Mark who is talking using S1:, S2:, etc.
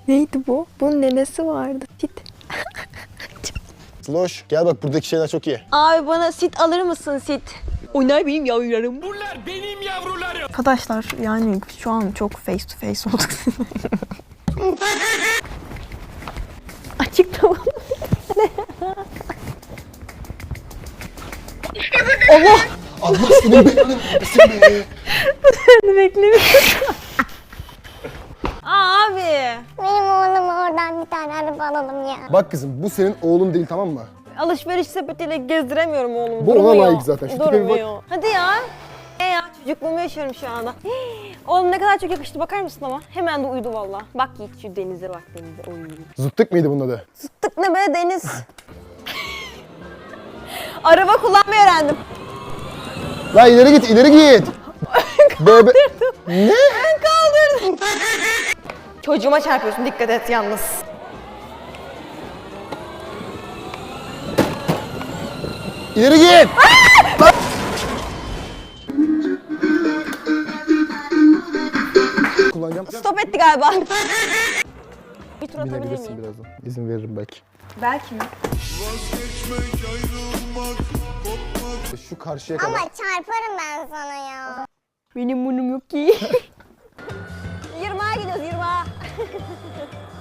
S1: Neydi bu? Bunun nenesi vardı. Sit.
S2: Sloş gel bak buradaki şeyler çok iyi.
S1: Abi bana sit alır mısın sit? Onlar benim yavrularım.
S3: Bunlar benim yavrularım.
S1: Arkadaşlar yani şu an çok face to face olduk. Açıklama. Allah!
S2: Allah senin belanı versin be.
S1: Beklemiyorum. Abi.
S4: Benim oğluma oradan bir tane araba alalım ya.
S2: Bak kızım bu senin oğlun değil tamam mı?
S1: Alışveriş sepetiyle gezdiremiyorum oğlumu.
S2: Bu ona
S1: Durmuyor.
S2: layık zaten. Şu tipe bir bak.
S1: Durmuyor. Hadi ya. Ya çocukluğumu yaşıyorum şu anda. Oğlum ne kadar çok yakıştı bakar mısın ama? Hemen de uyudu valla. Bak Yiğit şu denize bak denize. Oy.
S2: Zıttık mıydı bunun adı?
S1: Tık ne be deniz. Araba kullanmayı öğrendim.
S2: La ileri git ileri git. Bebe. Ne?
S1: Ben kaldırdım. Çocuğuma çarpıyorsun dikkat et yalnız.
S2: İleri git. Kullanacağım.
S1: Stop etti galiba. Bir tur atabilir
S2: Binebilirsin
S1: miyim?
S2: birazdan. İzin veririm belki.
S1: Belki mi?
S2: Şu karşıya kadar.
S4: Ama çarparım ben sana ya.
S1: Benim bunum yok ki. 20'a gidiyoruz 20'a.